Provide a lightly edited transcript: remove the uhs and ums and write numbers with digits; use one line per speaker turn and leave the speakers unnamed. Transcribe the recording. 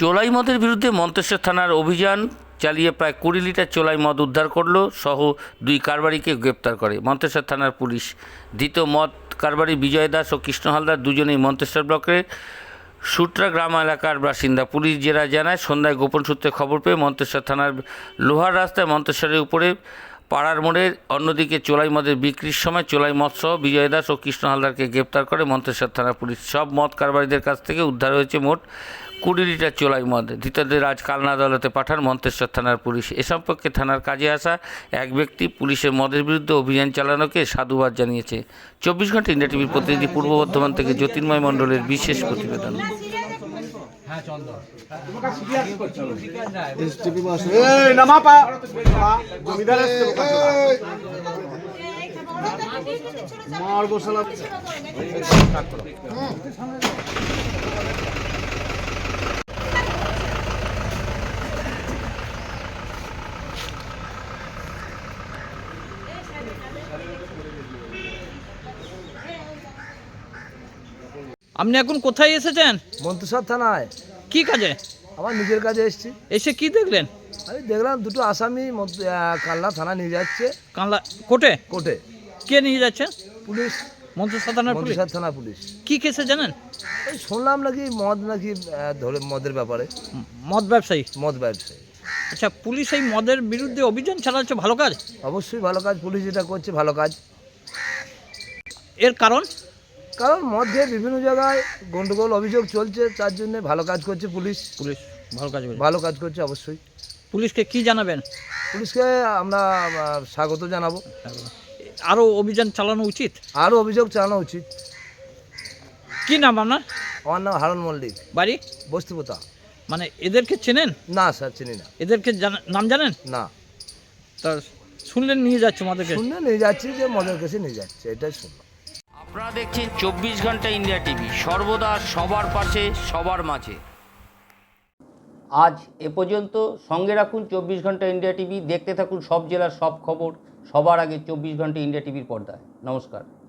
চোলাই মদের বিরুদ্ধে মন্তেশ্বর থানার অভিযান চালিয়ে প্রায় 20 লিটার চোলাই মদ উদ্ধার করল সহ 2 কারবারিকে গ্রেপ্তার করে মন্তেশ্বর থানার পুলিশ। ধৃত মদ কারবারি বিজয় দাস ও কৃষ্ণ হালদার দুজনেই মন্তেশ্বর ব্লকের সুটরা গ্রাম এলাকার বাসিন্দা। পুলিশ জেরা জানায়, সন্ধ্যায় গোপন সূত্রে খবর পেয়ে মন্তেশ্বর থানার লোহার রাস্তায় মন্তেশ্বরের উপরে পাড়ার মোড়ে অন্যদিকে চোলাই মদের বিক্রির সময় চোলাই মদ সহ বিজয় দাস ও কৃষ্ণ হালদারকে গ্রেপ্তার করে মন্তেশ্বর থানা পুলিশ। সব মদ কারবারিদের কাছ থেকে উদ্ধার হয়েছে মোট 20 লিটার চোলাই মদ। ধৃতদের আজ কালনা আদালতে পাঠান মন্তেশ্বর থানার পুলিশ। এ সম্পর্কে থানার কাজে আসা এক ব্যক্তি পুলিশের মদের বিরুদ্ধে অভিযান চালানোকে সাধুবাদ জানিয়েছে। 24 ঘন্টা ইন্ডিয়া টিভির প্রতিনিধি পূর্ব বর্ধমান থেকে জ্যোতির্ময় মণ্ডলের বিশেষ প্রতিবেদন।
আপনি এখন কোথায় এসেছেন?
মন্তেশ্বর থানায়।
কি কাজে?
আমার নিজের কাজে এসেছি।
এসে কি দেখলেন?
আমি দেখলাম দুটো আসামি কালনা থানা নিয়ে যাচ্ছে।
কানলা কোর্টে?
কোর্টে।
কে নিয়ে যাচ্ছে?
পুলিশ।
মন্তেশ্বর থানার পুলিশ?
মন্তেশ্বর থানা পুলিশ।
কি কেসে জানেন?
ওই শুনলাম নাকি মদ নাকি ধরে মদের ব্যাপারে।
মদ ব্যবসায়ী?
মদ ব্যবসায়ী।
আচ্ছা, পুলিশ এই মদের বিরুদ্ধে অভিযান চালাচ্ছে, ভালো কাজ।
অবশ্যই ভালো কাজ, পুলিশ যেটা করছে ভালো কাজ।
এর কারণ?
কারণ মদ খেয়ে বিভিন্ন জায়গায় গন্ডগোল অভিযোগ চলছে, তার জন্য ভালো কাজ করছে পুলিশ।
পুলিশ ভালো কাজ করে।
ভালো কাজ করছে অবশ্যই।
পুলিশকে কি জানাবেন?
পুলিশকে আমরা স্বাগত জানাবো।
আরও অভিযান চালানো উচিত?
আরও অভিযোগ চালানো উচিত।
কি নাম আপনার?
আমার নাম হারুন মল্লিক,
বাড়ি?
বস্তিপোতা।
মানে এদেরকে চেনেন?
না স্যার, চিনি না।
এদেরকে নাম জানেন
না।
তা শুনলেন নিয়ে যাচ্ছে মদেরকে?
শুনে নিয়ে যাচ্ছি যে মদের কাছে নিয়ে যাচ্ছে, এটাই শুনলাম।
আপনারা দেখছেন 24 ঘন্টা ইন্ডিয়া টিভি, সর্বদা সবার পাশে সবার মাঝে। আজ এ পর্যন্ত। সঙ্গে রাখুন 24 ঘন্টা ইন্ডিয়া টিভি। দেখতে থাকুন সব জেলার সব খবর সবার আগে 24 ঘন্টা ইন্ডিয়া টিভির পর্দায়। নমস্কার।